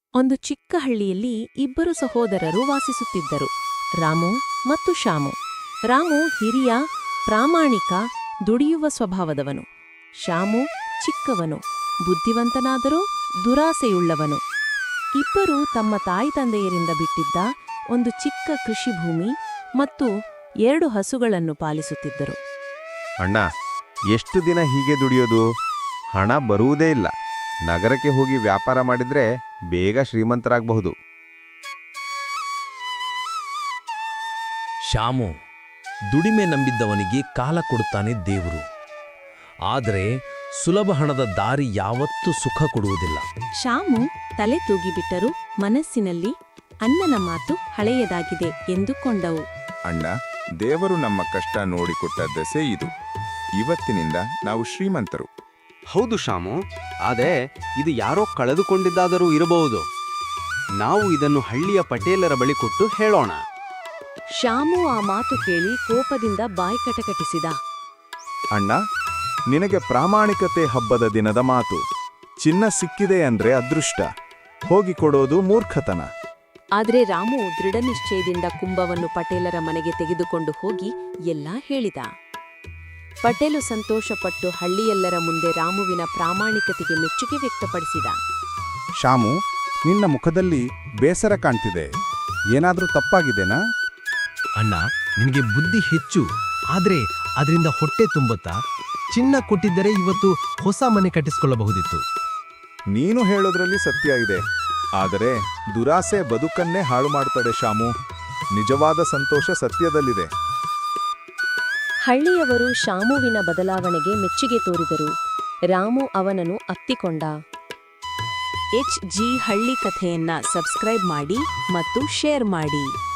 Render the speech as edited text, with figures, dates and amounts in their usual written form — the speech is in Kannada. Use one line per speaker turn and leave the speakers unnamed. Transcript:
ಒಂದು ಚಿಕ್ಕ ಹಳ್ಳಿಯಲ್ಲಿ ಇಬ್ಬರು ಸಹೋದರರು ವಾಸಿಸುತ್ತಿದ್ದರು, ರಾಮು ಮತ್ತು ಶ್ಯಾಮು. ರಾಮು ಹಿರಿಯ, ಪ್ರಾಮಾಣಿಕ, ದುಡಿಯುವ ಸ್ವಭಾವದವನು. ಶ್ಯಾಮು ಚಿಕ್ಕವನು, ಬುದ್ಧಿವಂತನಾದರೂ ದುರಾಸೆಯುಳ್ಳವನು. ಇಬ್ಬರೂ ತಮ್ಮ ತಾಯಿ ತಂದೆಯರಿಂದ ಬಿಟ್ಟಿದ್ದ ಒಂದು ಚಿಕ್ಕ ಕೃಷಿ ಭೂಮಿ ಮತ್ತು 2 ಹಸುಗಳನ್ನು ಪಾಲಿಸುತ್ತಿದ್ದರು.
ಅಣ್ಣ, ಎಷ್ಟು ದಿನ ಹೀಗೆ ದುಡಿಯೋದು? ಹಣ ಬರುವುದೇ ಇಲ್ಲ. ನಗರಕ್ಕೆ ಹೋಗಿ ವ್ಯಾಪಾರ ಮಾಡಿದ್ರೆ ಬೇಗ ಶ್ರೀಮಂತರಾಗಬಹುದು.
ಶ್ಯಾಮು, ದುಡಿಮೆ ನಂಬಿದ್ದವನಿಗೆ ಕಾಲ ಕೊಡುತ್ತಾನೆ ದೇವರು. ಆದರೆ ಸುಲಭ ಹಣದ ದಾರಿ ಯಾವತ್ತೂ ಸುಖ ಕೊಡುವುದಿಲ್ಲ.
ಶ್ಯಾಮು ತಲೆ ತೂಗಿಬಿಟ್ಟರು. ಮನಸ್ಸಿನಲ್ಲಿ ಅಣ್ಣನ ಮಾತು ಹಳೆಯದಾಗಿದೆ ಎಂದುಕೊಂಡವು.
ಅಣ್ಣ, ದೇವರು ನಮ್ಮ ಕಷ್ಟ ನೋಡಿಕೊಟ್ಟ ದೆಸೆ ಇದು. ಇವತ್ತಿನಿಂದ ನಾವು ಶ್ರೀಮಂತರು.
ಹೌದು ಶ್ಯಾಮು, ಆದರೆ ಇದು ಯಾರೋ ಕಳೆದುಕೊಂಡಿದ್ದಾದರೂ ಇರಬಹುದು. ನಾವು ಇದನ್ನು ಹಳ್ಳಿಯ ಪಟೇಲರ ಬಳಿ ಕೊಟ್ಟು ಹೇಳೋಣ.
ಶ್ಯಾಮು ಆ ಮಾತು ಕೇಳಿ ಕೋಪದಿಂದ ಬಾಯಿ ಕಟಕಟಿಸಿದ.
ಅಣ್ಣ, ನಿನಗೆ ಪ್ರಾಮಾಣಿಕತೆ ಹಬ್ಬದ ದಿನದ ಮಾತು. ಚಿನ್ನ ಸಿಕ್ಕಿದೆ ಅಂದ್ರೆ ಅದೃಷ್ಟ, ಹೋಗಿ ಕೊಡೋದು ಮೂರ್ಖತನ.
ಆದರೆ ರಾಮು ದೃಢನಿಶ್ಚಯದಿಂದ ಕುಂಭವನ್ನು ಪಟೇಲರ ಮನೆಗೆ ತೆಗೆದುಕೊಂಡು ಹೋಗಿ ಎಲ್ಲಾ ಹೇಳಿದ. ಪಟೇಲು ಸಂತೋಷಪಟ್ಟು ಹಳ್ಳಿಯೆಲ್ಲರ ಮುಂದೆ ರಾಮುವಿನ ಪ್ರಾಮಾಣಿಕತೆಗೆ ಮೆಚ್ಚುಗೆ ವ್ಯಕ್ತಪಡಿಸಿದ.
ಶ್ಯಾಮು, ನಿನ್ನ ಮುಖದಲ್ಲಿ ಬೇಸರ ಕಾಣ್ತಿದೆ. ಏನಾದ್ರೂ ತಪ್ಪಾಗಿದೆನಾ?
ಅಣ್ಣ, ನಿನಗೆ ಬುದ್ಧಿ ಹೆಚ್ಚು, ಆದ್ರೆ ಅದರಿಂದ ಹೊಟ್ಟೆ ತುಂಬುತ್ತಾ? ಚಿನ್ನ ಕೊಟ್ಟಿದ್ದರೆ ಇವತ್ತು ಹೊಸ ಮನೆ ಕಟ್ಟಿಸಿಕೊಳ್ಳಬಹುದಿತ್ತು.
ನೀನು ಹೇಳೋದ್ರಲ್ಲಿ ಸತ್ಯ ಇದೆ, ಆದರೆ ದುರಾಸೆ ಬದುಕನ್ನೇ ಹಾಳು ಮಾಡ್ತಡೆ ಶ್ಯಾಮು. ನಿಜವಾದ ಸಂತೋಷ ಸತ್ಯದಲ್ಲಿದೆ.
ಹಳ್ಳಿಯವರು ಶ್ಯಾಮುವಿನ ಬದಲಾವಣೆಗೆ ಮೆಚ್ಚುಗೆ ತೋರಿದರು. ರಾಮು ಅವನನ್ನು ಅಪ್ಪಿಕೊಂಡ. HG ಹಳ್ಳಿ ಕಥೆಯನ್ನ ಸಬ್ಸ್ಕ್ರೈಬ್ ಮಾಡಿ ಮತ್ತು ಶೇರ್ ಮಾಡಿ.